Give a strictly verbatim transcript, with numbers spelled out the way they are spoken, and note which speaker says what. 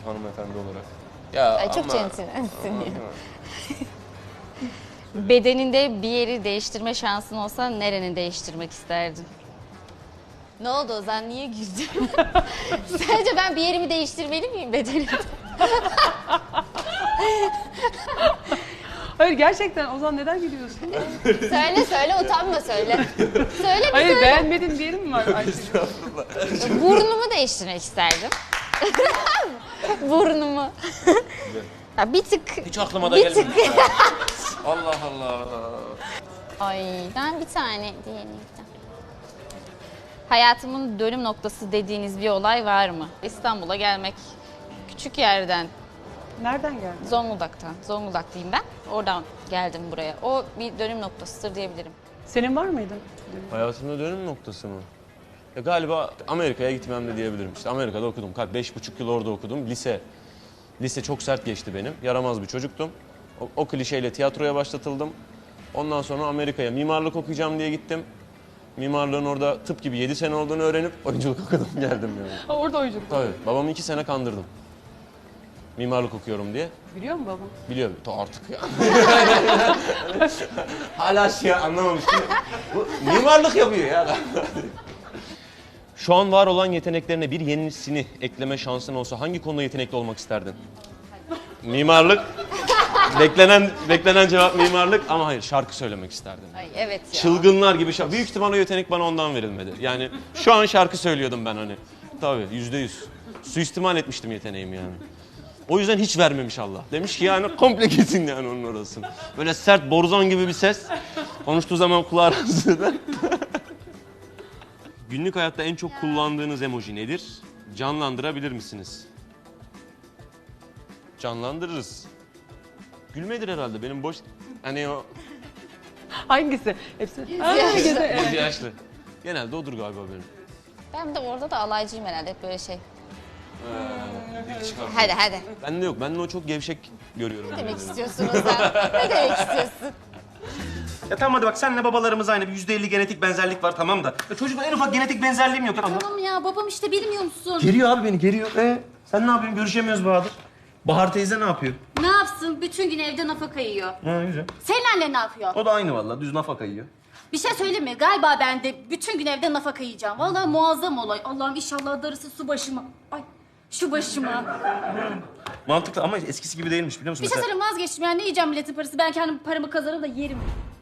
Speaker 1: hanımefendi olarak. Ya
Speaker 2: Ay, çok
Speaker 1: ama...
Speaker 2: centilmensin ya. Bedeninde bir yeri değiştirme şansın olsa nereni değiştirmek isterdin? Ne oldu Ozan? Niye güldün? Sence ben bir yerimi değiştirmeli miyim bedenimde?
Speaker 3: Hayır gerçekten Ozan neden gülüyorsun?
Speaker 2: Söyle söyle, utanma söyle. Söyle bir
Speaker 3: Hayır
Speaker 2: söyle.
Speaker 3: beğenmediğin bir yerin mi var Ayşe?
Speaker 2: Burnumu değiştirmek isterdim. Burnumu. Ya bir tık...
Speaker 1: Hiç aklıma da
Speaker 2: bir
Speaker 1: gelmedi.
Speaker 2: tık...
Speaker 1: Allah Allah.
Speaker 2: Ay ben bir tane diyelim. Hayatımın dönüm noktası dediğiniz bir olay var mı? İstanbul'a gelmek, küçük yerden,
Speaker 3: Nereden geldin?
Speaker 2: Zonguldak'tan, Zonguldaklıyım ben. Oradan geldim buraya. O bir dönüm noktasıdır diyebilirim.
Speaker 3: Senin var mıydı?
Speaker 1: Hayatımda dönüm noktası mı? Ya galiba Amerika'ya gitmem de diyebilirim. İşte Amerika'da okudum. Kaç? Beş buçuk yıl orada okudum. Lise. Lise çok sert geçti benim. Yaramaz bir çocuktum. O, o klişeyle tiyatroya başlatıldım. Ondan sonra Amerika'ya mimarlık okuyacağım diye gittim. Mimarlığın orada tıp gibi yedi sene olduğunu öğrenip oyunculuk okudum geldim yani.
Speaker 3: Ha, orada oyunculuk.
Speaker 1: Tabii. Babamı iki sene kandırdım. Mimarlık okuyorum diye.
Speaker 3: Biliyor musun babam?
Speaker 1: Biliyor ta artık ya. Hala şey anlamamış. Bu mimarlık yapıyor ya. Şu an var olan yeteneklerine bir yenisini ekleme şansın olsa hangi konuda yetenekli olmak isterdin? Mimarlık. beklenen beklenen cevap mimarlık ama hayır şarkı söylemek isterdim.
Speaker 2: Ay evet ya.
Speaker 1: Çılgınlar gibi şarkı. Büyük ihtimal o yetenek bana ondan verilmedi. Yani şu an şarkı söylüyordum ben hani. Tabii yüzde yüz. Suistimal etmiştim yeteneğimi yani. O yüzden hiç vermemiş Allah. Demiş ki yani komple kesin yani onun orasını. Böyle sert borzan gibi bir ses. Konuştuğu zaman kulağı rahatsız eder. Günlük hayatta en çok kullandığınız emoji nedir? Canlandırabilir misiniz? Canlandırırız. Gülmedir herhalde benim boş... Hani o...
Speaker 3: Hangisi? Hepsi. Aa,
Speaker 2: Yaşlı.
Speaker 3: gözü- evet.
Speaker 1: Gözü yaşlı. Genelde odur galiba benim.
Speaker 2: Ben de orada da alaycıyım herhalde hep böyle şey.
Speaker 1: Dil çıkar.
Speaker 2: Hadi hadi.
Speaker 1: Bende yok. Bende o çok gevşek görüyorum.
Speaker 2: Ne demek istiyorsun Ozan? Ne demek istiyorsun?
Speaker 4: Ya tamam hadi bak senle babalarımız aynı bir yüzde elli genetik benzerlik var tamam da. Ya çocukla en ufak genetik benzerliğim yok. Anla.
Speaker 2: Tamam ya babam işte bilmiyor musun?
Speaker 4: Geriyor abi beni geriyor. Ee, sen ne yapıyorsun? Görüşemiyoruz Bahadır. Bahar teyze ne yapıyor?
Speaker 5: Ne yapsın? Bütün gün evde nafaka yiyor.
Speaker 4: Ha güzel.
Speaker 5: Senin annen ne yapıyor?
Speaker 4: O da aynı vallahi düz nafaka yiyor.
Speaker 5: Bir şey söyleyeyim mi? Galiba ben de bütün gün evde nafaka yiyeceğim. Vallahi muazzam olay. Allah'ım inşallah darısı su başıma. Ay şu başıma.
Speaker 4: Mantıklı ama eskisi gibi değilmiş biliyor musun?
Speaker 5: Bir şey söyleyeyim vazgeçtim yani ne yiyeceğim milletin parası? Ben kendim paramı kazanırım da yerim.